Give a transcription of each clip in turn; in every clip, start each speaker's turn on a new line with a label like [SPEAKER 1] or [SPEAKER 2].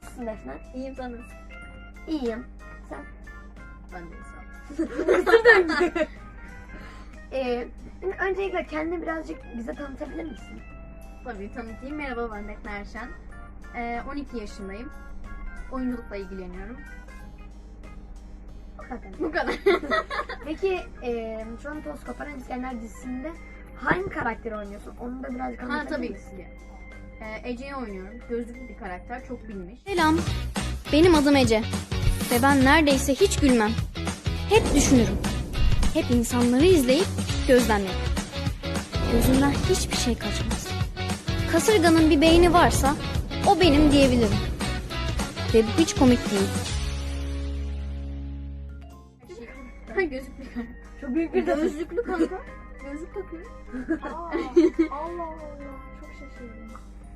[SPEAKER 1] Nasılsın Defne?
[SPEAKER 2] İyiyim, sen nasılsın?
[SPEAKER 1] İyiyim. Sen?
[SPEAKER 2] Ben de sağ ol.
[SPEAKER 1] Öncelikle kendini birazcık bize tanıtabilir misin?
[SPEAKER 2] Tabii tanıtayım. Merhaba, ben Defne Erşen. 12 yaşındayım. Oyunculukla ilgileniyorum.
[SPEAKER 1] O kadar.
[SPEAKER 2] Bu kadar.
[SPEAKER 1] Peki şu an Toz Koparan İskender dizisinde hangi karakteri oynuyorsun? Onu da birazcık
[SPEAKER 2] Ha
[SPEAKER 1] anlatabilir
[SPEAKER 2] tabii
[SPEAKER 1] misin?
[SPEAKER 2] ki. Ece'yi oynuyorum. Gözlüklü bir karakter. Çok bilmiş.
[SPEAKER 3] Selam, benim adım Ece ve ben neredeyse hiç gülmem. Hep düşünürüm. Hep insanları izleyip gözlemlerim. Gözümden hiçbir şey kaçmaz. Kasırganın bir beyni varsa o benim diyebilirim. Ve bu hiç komik değil.
[SPEAKER 2] Gözlüklü karakter.
[SPEAKER 1] Çok büyük bir
[SPEAKER 2] Gözlüklü kanka. Gözlük takıyor.
[SPEAKER 1] Allah Allah. Çok şaşırdım.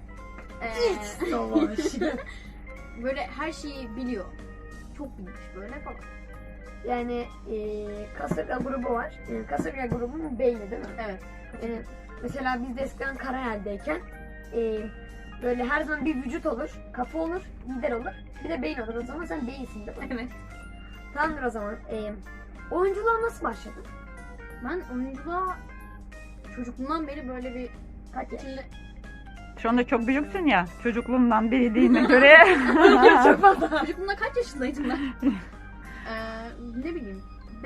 [SPEAKER 2] Savaş. Böyle her şeyi biliyor. Çok bilmiş böyle falan.
[SPEAKER 1] Yani kasırga grubu var. Kasırga grubunun beyni değil mi?
[SPEAKER 2] Evet.
[SPEAKER 1] Yani mesela biz de eskiden Karayel'deyken böyle her zaman bir vücut olur, kafa olur, lider olur. Bir de beyin olur. O zaman sen beyinsin değil mi?
[SPEAKER 2] Evet.
[SPEAKER 1] Tamamdır o zaman. Oyunculuğa nasıl başladın?
[SPEAKER 2] Ben oyunculuğa çocukluğumdan beri böyle bir
[SPEAKER 1] Kaç yaş?
[SPEAKER 2] içinde...
[SPEAKER 4] Şu anda çok büyüksün ya. Çocukluğumdan beri dediğine göre.
[SPEAKER 1] Çok fazla.
[SPEAKER 2] Çocukluğumda kaç yaşındaydım ben? Ne bileyim.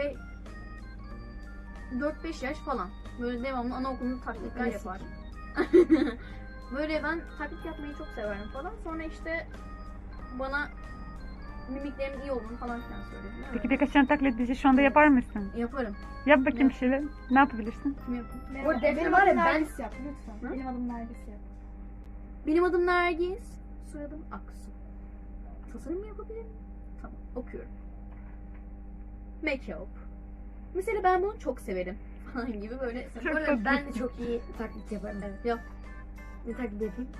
[SPEAKER 2] 4-5 yaş falan. Böyle devamlı anaokulunda taklitler
[SPEAKER 1] Klasik.
[SPEAKER 2] yapar. Böyle ben taklit yapmayı çok severim falan. Sonra işte bana mimiklerim iyi olduğunu falan filan söylediler.
[SPEAKER 4] Peki birkaç tane taklit bizi şu anda yapar mısın?
[SPEAKER 2] Yaparım.
[SPEAKER 4] Yap bakayım
[SPEAKER 2] Yap.
[SPEAKER 4] bir şeyler. Ne yapabilirsin?
[SPEAKER 2] Kim yapayım?
[SPEAKER 1] O defne var ya ben...
[SPEAKER 5] Nergis yap lütfen.
[SPEAKER 2] Hı?
[SPEAKER 5] Benim adım Nergis yap.
[SPEAKER 2] Benim adım Nergis. Soyadım Aksu. Tasarım mı yapabilirim? Tamam, okuyorum. Make-up. Mesela ben bunu çok severim. Falan gibi böyle.
[SPEAKER 4] Çok
[SPEAKER 1] Bu arada
[SPEAKER 4] tatlı.
[SPEAKER 1] ben de çok iyi taklit yaparım.
[SPEAKER 2] Evet, yap.
[SPEAKER 1] Ne taklit yapayım?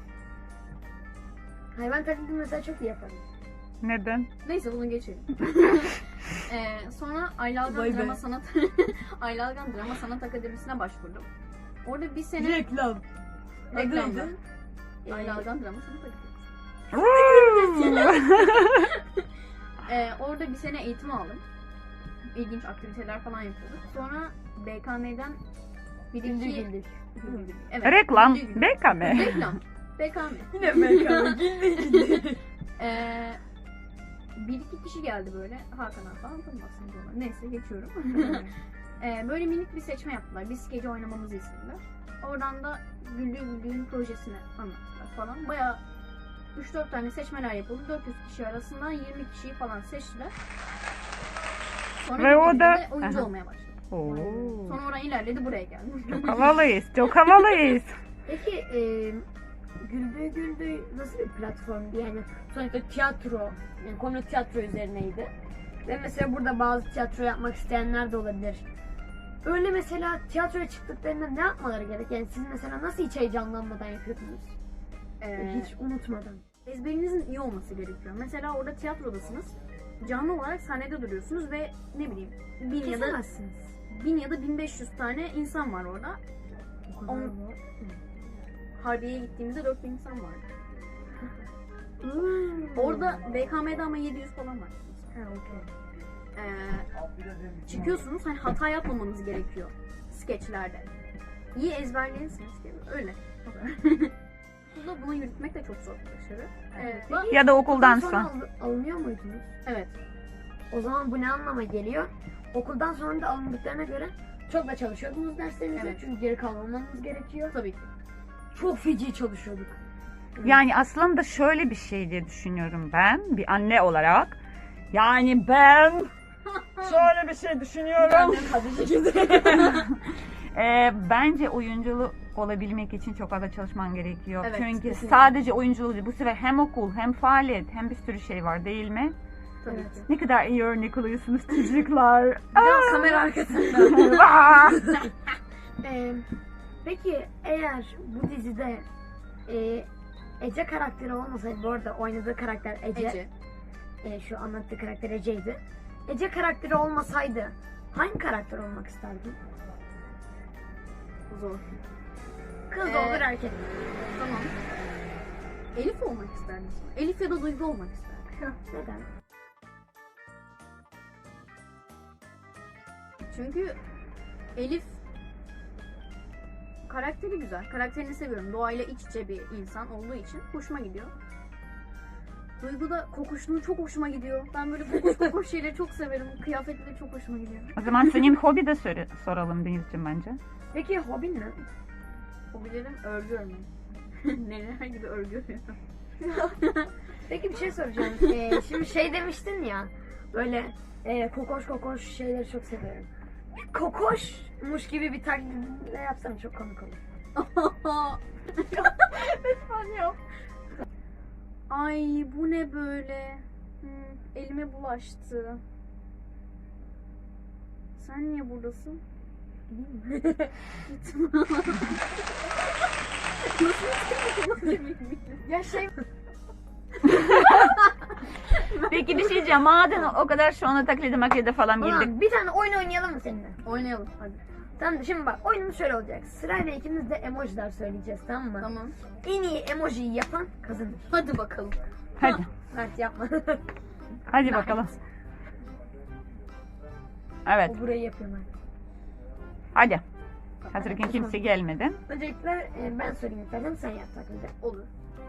[SPEAKER 1] Hayvan taklidi mesela çok iyi yaparım.
[SPEAKER 4] Neden?
[SPEAKER 2] Neyse bunu geçelim. Sonra Ayla Algan
[SPEAKER 1] Vay be.
[SPEAKER 2] Drama Sanat Ayla Algan Drama Sanat Akademisi'ne başvurdum. Orada bir sene
[SPEAKER 1] Reklam.
[SPEAKER 2] reklamda.
[SPEAKER 1] Adı
[SPEAKER 2] Ayla Algan Drama Sanat Akademisi. Orada bir sene eğitim aldım. İlginç aktiviteler falan yapıyorduk. Sonra BKM'den bir
[SPEAKER 1] Güldür
[SPEAKER 2] iki...
[SPEAKER 1] güldür.
[SPEAKER 2] Evet.
[SPEAKER 4] Reklam.
[SPEAKER 2] Güldür güldür.
[SPEAKER 4] BKM.
[SPEAKER 2] Reklam. BKM.
[SPEAKER 1] Yine mekanı güldür güldür.
[SPEAKER 2] Bir iki kişi geldi böyle. Hakan'a falan tanımazsınız onları. Neyse geçiyorum. Böyle minik bir seçme yaptılar. Biz gece oynamamızı istediler. Oradan da Güldüğün projesini anlattılar falan. Bayağı 3-4 tane seçmeler yapıldı. 400 kişi arasından 20 kişiyi falan seçtiler. Sonra
[SPEAKER 4] Ve
[SPEAKER 2] bir
[SPEAKER 4] o da-
[SPEAKER 2] gecede oyuncu
[SPEAKER 4] Aha.
[SPEAKER 2] olmaya başladı.
[SPEAKER 4] Oo.
[SPEAKER 2] Sonra oradan ilerledi, buraya geldi.
[SPEAKER 4] Çok havalıyız. Çok havalıyız.
[SPEAKER 1] Peki Güldür nasıl bir platformdu yani? Sonuçta tiyatro, yani konu tiyatro üzerineydi. Ve mesela burada bazı tiyatro yapmak isteyenler de olabilir. Öyle mesela tiyatroya çıktıklarında ne yapmaları gerek? Yani siz mesela nasıl hiç heyecanlanmadan yapıyordunuz? Hiç unutmadan.
[SPEAKER 2] Ezberinizin iyi olması gerekiyor. Mesela orada tiyatrodasınız. Canlı olarak sahnede duruyorsunuz ve ne bileyim 1000 ya da 1500 tane insan var orada.
[SPEAKER 1] O kadar
[SPEAKER 2] On-
[SPEAKER 1] mı?
[SPEAKER 2] Harbiye'ye gittiğimizde 4000 insan vardı.
[SPEAKER 1] Hmm.
[SPEAKER 2] Orada BKM'de ama 700 falan var.
[SPEAKER 1] Ha, okey.
[SPEAKER 2] Çıkıyorsunuz, hani hata yapmamanız gerekiyor skeçlerde. İyi ezberleyirsiniz gibi. Öyle. O kadar. Okulda bunu yürütmek de çok zor bir başarı.
[SPEAKER 4] Ya da okuldan
[SPEAKER 1] sonra
[SPEAKER 4] sonra.
[SPEAKER 1] alınıyor muydunuz?
[SPEAKER 2] Evet.
[SPEAKER 1] O zaman bu ne anlama geliyor? Okuldan sonra da alındıklarına göre çok da çalışıyordunuz derslerinizde.
[SPEAKER 2] Evet.
[SPEAKER 1] Çünkü geri kalmamanız gerekiyor.
[SPEAKER 2] Tabii ki.
[SPEAKER 1] Çok feci çalışıyorduk.
[SPEAKER 4] Yani aslında şöyle bir şey diye düşünüyorum ben. Bir anne olarak. Yani ben şöyle bir şey düşünüyorum. Bence oyunculu olabilmek için çok fazla çalışman gerekiyor.
[SPEAKER 2] Evet,
[SPEAKER 4] Çünkü
[SPEAKER 1] kesinlikle.
[SPEAKER 4] sadece oyunculuğu değil, bu sefer hem okul hem faaliyet hem bir sürü şey var değil mi?
[SPEAKER 2] Tabii
[SPEAKER 1] Evet.
[SPEAKER 2] ki.
[SPEAKER 4] Ne kadar iyi örnek oluyorsunuz çocuklar.
[SPEAKER 1] Biraz kamera arkasında.
[SPEAKER 4] Aa!
[SPEAKER 1] Peki eğer bu dizide Ece karakteri olmasaydı, bu arada oynadığı karakter Ece.
[SPEAKER 2] Ece.
[SPEAKER 1] Şu anlattığı karakter Ece'ydi. Ece karakteri olmasaydı hangi karakter olmak isterdin?
[SPEAKER 2] Zor.
[SPEAKER 1] Kız
[SPEAKER 2] Ee,
[SPEAKER 1] olur erkek.
[SPEAKER 2] Tamam. Elif olmak isterdim sonra. Elif ya da Duygu olmak isterdim.
[SPEAKER 1] Neden?
[SPEAKER 2] Çünkü Elif karakteri güzel. Karakterini seviyorum. Doğayla iç içe bir insan olduğu için hoşuma gidiyor. Duygu da kokuşluğu çok hoşuma gidiyor. Ben böyle kokuş şeyleri çok severim. Kıyafetleri çok hoşuma gidiyor.
[SPEAKER 4] O zaman senin hobi de soralım Denizciğim bence.
[SPEAKER 1] Peki hobin ne?
[SPEAKER 2] Hobilerim örgü örmek. Neler gibi örgü örüyorum.
[SPEAKER 1] Peki bir şey soracağım. Şimdi şey demiştin ya, böyle kokoş şeyleri çok seviyorum. Bir kokoşmuş gibi bir taklidle yapsana, çok komik olur.
[SPEAKER 2] Lütfen yap. Ay bu ne böyle? Elime bulaştı. Sen niye buradasın? Gitme.
[SPEAKER 1] Ya şey...
[SPEAKER 4] Peki bir şey diyeceğim. Madem o kadar şu anda taklidi falan girdik.
[SPEAKER 1] Ulan bir tane oyun oynayalım mı seninle?
[SPEAKER 2] Oynayalım hadi.
[SPEAKER 1] Tamam, şimdi bak oyunumuz şöyle olacak. Sırayla ikimiz de emojiler söyleyeceğiz, tamam mı?
[SPEAKER 2] Tamam.
[SPEAKER 1] En iyi emojiyi yapan kazanır.
[SPEAKER 2] Hadi bakalım.
[SPEAKER 4] Hadi.
[SPEAKER 1] Mert yapma.
[SPEAKER 4] Hadi bakalım. Evet.
[SPEAKER 1] O burayı yapıyor Mert.
[SPEAKER 4] Hadi. Hazırken kimse gelmedi.
[SPEAKER 1] Öncelikle ben söyleyeyim istersen, sen yap taklidi.
[SPEAKER 2] Olur.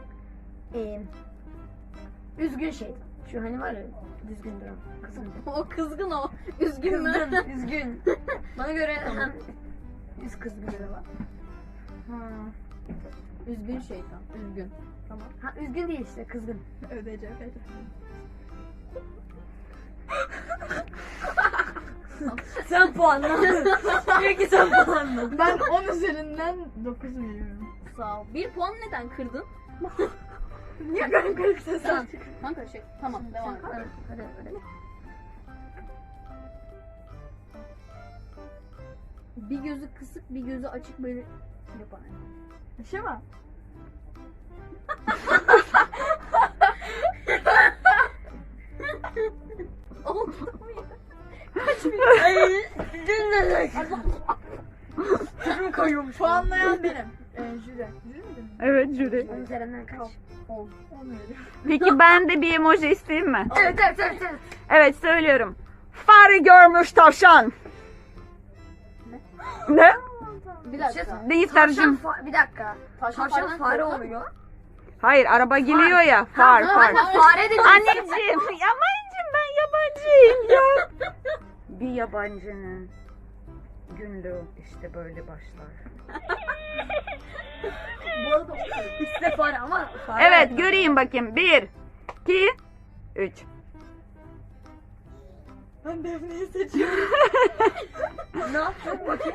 [SPEAKER 1] Üzgün şey. Şu hani var ya, düzgün duran. Kızgın.
[SPEAKER 2] O kızgın o. Üzgün mü?
[SPEAKER 1] Kızgın, üzgün. Bana göre hem üz kızgınlığı var.
[SPEAKER 2] Üzgün şeytan. Üzgün. Tamam.
[SPEAKER 1] Ha, üzgün değil işte, kızgın.
[SPEAKER 2] Ödeyeceğim.
[SPEAKER 1] Sen puanla. Peki sen puanla.
[SPEAKER 2] Ben 10 üzerinden 9 veriyorum. Sağ ol. 1 puan neden kırdın?
[SPEAKER 1] Niye kalın kırıksa sen?
[SPEAKER 2] Kanka şey. Tamam devam et.
[SPEAKER 1] Hadi.
[SPEAKER 2] Bir gözü kısık, bir gözü açık böyle yapar.
[SPEAKER 1] Şey mi?
[SPEAKER 2] Oldu muydu?
[SPEAKER 1] Ay, dinledik. Kim koyuyormuş?
[SPEAKER 2] Puanlayan benim. Jüri. Jüri mi?
[SPEAKER 4] Evet jüri.
[SPEAKER 1] 10 üzerinden kaç?
[SPEAKER 2] 10.
[SPEAKER 4] Peki ben de bir emoji isteyeyim mi?
[SPEAKER 1] Evet.
[SPEAKER 4] Evet söylüyorum. Fare görmüş tavşan. Ne?
[SPEAKER 2] Bir dakika.
[SPEAKER 4] Değil tercüm.
[SPEAKER 1] Bir dakika. Tavşan fare oluyor.
[SPEAKER 4] Hayır araba geliyor ya. Far.
[SPEAKER 1] Fare de
[SPEAKER 4] Anneciğim. Yabancıyım ben yabancıyım ya. Bir yabancının günlüğü işte böyle başlar.
[SPEAKER 2] Bu arada
[SPEAKER 1] İşte fare ama fare.
[SPEAKER 4] Evet göreyim bakayım. 1, 2, 3.
[SPEAKER 1] Ben Defne'yi seçiyorum. Ne yaptın bakayım?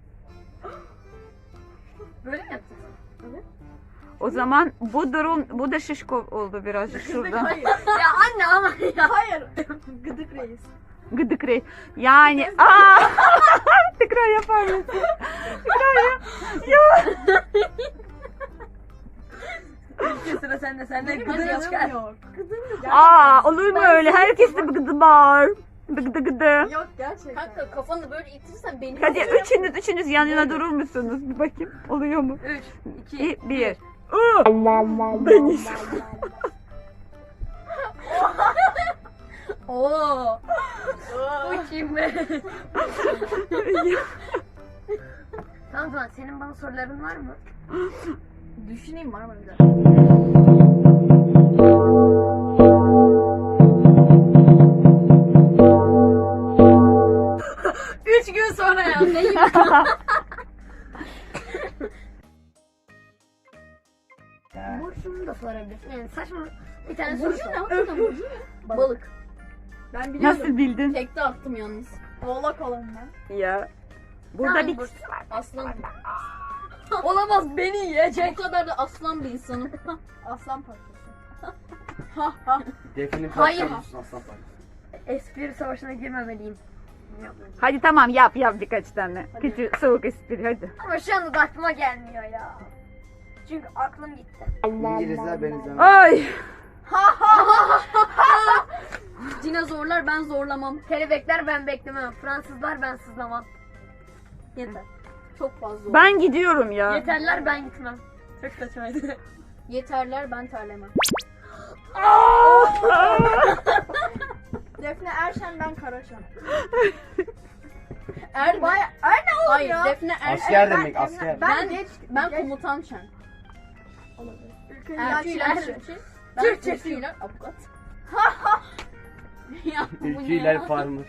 [SPEAKER 1] Böyle mi yaptın?
[SPEAKER 4] O zaman bu da şişko oldu birazcık şurada.
[SPEAKER 1] Hayır. Ya anne ama ya.
[SPEAKER 2] hayır. Gıdık reis.
[SPEAKER 4] Gıdık rey. Yani tekrar yapar mısın? Tekrar yap. Ya.
[SPEAKER 1] Sıra sende. Sende
[SPEAKER 2] Benim
[SPEAKER 1] gıdını çıkar.
[SPEAKER 2] yok.
[SPEAKER 4] Olur mu öyle? Herkeste bir gıdı var. Gıdı.
[SPEAKER 2] Yok gerçekten. Kanka kafanı böyle itirsen beni...
[SPEAKER 4] Hadi üçünüz yan yana durur musunuz? Bir bakayım. Oluyor mu?
[SPEAKER 1] 3, 2,
[SPEAKER 4] 1. Beni.
[SPEAKER 1] Oo. Bu kim be? Tamam, senin bana soruların var mı?
[SPEAKER 2] Düşüneyim var mı bir dakika.
[SPEAKER 1] Üç gün sonra ya. Neyim? Burçunu da sorabilirsin. Yani saçma bir tane soru
[SPEAKER 2] Burcu
[SPEAKER 1] sor.
[SPEAKER 2] ne? Hakikaten Burcu ne? Balık. Ben biliyorum.
[SPEAKER 4] Nasıl bildin?
[SPEAKER 2] Tekte attım yalnız. Oğlak olan ben.
[SPEAKER 4] Ya. Burada
[SPEAKER 1] Tamam,
[SPEAKER 4] bir
[SPEAKER 1] Burcu.
[SPEAKER 2] Aslan.
[SPEAKER 1] Olamaz, beni yiyecek.
[SPEAKER 2] Bu kadar da aslan bir insanım. Aslan parçası.
[SPEAKER 5] Defne'nin
[SPEAKER 1] Hayır.
[SPEAKER 5] parçası aslan parçası.
[SPEAKER 1] Espri savaşına girmemeliyim.
[SPEAKER 4] Hadi tamam yap birkaç tane. Küçük soğuk espri hadi.
[SPEAKER 1] Ama şu anda da aklıma gelmiyor ya. Çünkü aklım gitti.
[SPEAKER 5] İngilizler ben izlemem.
[SPEAKER 4] Ay.
[SPEAKER 2] Dinozorlar ben zorlamam.
[SPEAKER 1] Kelebekler ben beklemem. Fransızlar ben sızlamam.
[SPEAKER 2] Yeter. Çok fazla oldu.
[SPEAKER 4] Ben gidiyorum ya.
[SPEAKER 1] Yeterler ben gitmem. Çok saçmaydı.
[SPEAKER 2] Yeterler ben terlemem.
[SPEAKER 6] Defne Erşen, ben Karaşan.
[SPEAKER 2] Hayır
[SPEAKER 6] ya?
[SPEAKER 2] Defne
[SPEAKER 5] Asker demek asker.
[SPEAKER 2] Ben komutan Şen. Erküler ben Türkçüler avukat. Ya bu ne
[SPEAKER 5] Ülküler
[SPEAKER 2] ya?
[SPEAKER 5] farmer.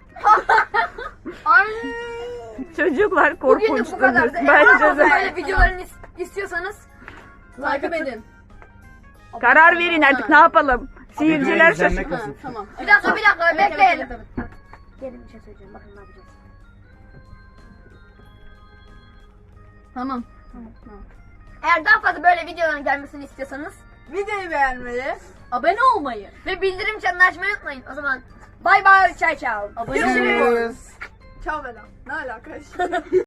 [SPEAKER 4] Çocuklar
[SPEAKER 1] Bugünlük
[SPEAKER 4] korkunçtunuz.
[SPEAKER 1] bu kadardı.
[SPEAKER 4] Bence de.
[SPEAKER 1] Böyle videolarını istiyorsanız
[SPEAKER 2] Takip edin.
[SPEAKER 4] Karar verin artık ne yapalım. Seyirciler
[SPEAKER 5] İzlenme
[SPEAKER 4] şaşırdı.
[SPEAKER 5] kasın.
[SPEAKER 2] Tamam.
[SPEAKER 1] bir dakika
[SPEAKER 2] Evet,
[SPEAKER 1] bekleyin.
[SPEAKER 2] evet.
[SPEAKER 1] Gelin bir şey söyleyeceğim. Bakın ne yapacağız.
[SPEAKER 2] Tamam.
[SPEAKER 1] Eğer daha fazla böyle videoların gelmesini istiyorsanız
[SPEAKER 6] Videoyu beğenmeyi.
[SPEAKER 2] Abone olmayı.
[SPEAKER 1] ve bildirim çanını açmayı unutmayın. O zaman bay bay çay çao.
[SPEAKER 2] Abone
[SPEAKER 1] Görüşürüz.
[SPEAKER 2] olmayı.
[SPEAKER 5] Görüşürüz.
[SPEAKER 6] Çao Bela. Ne alaka?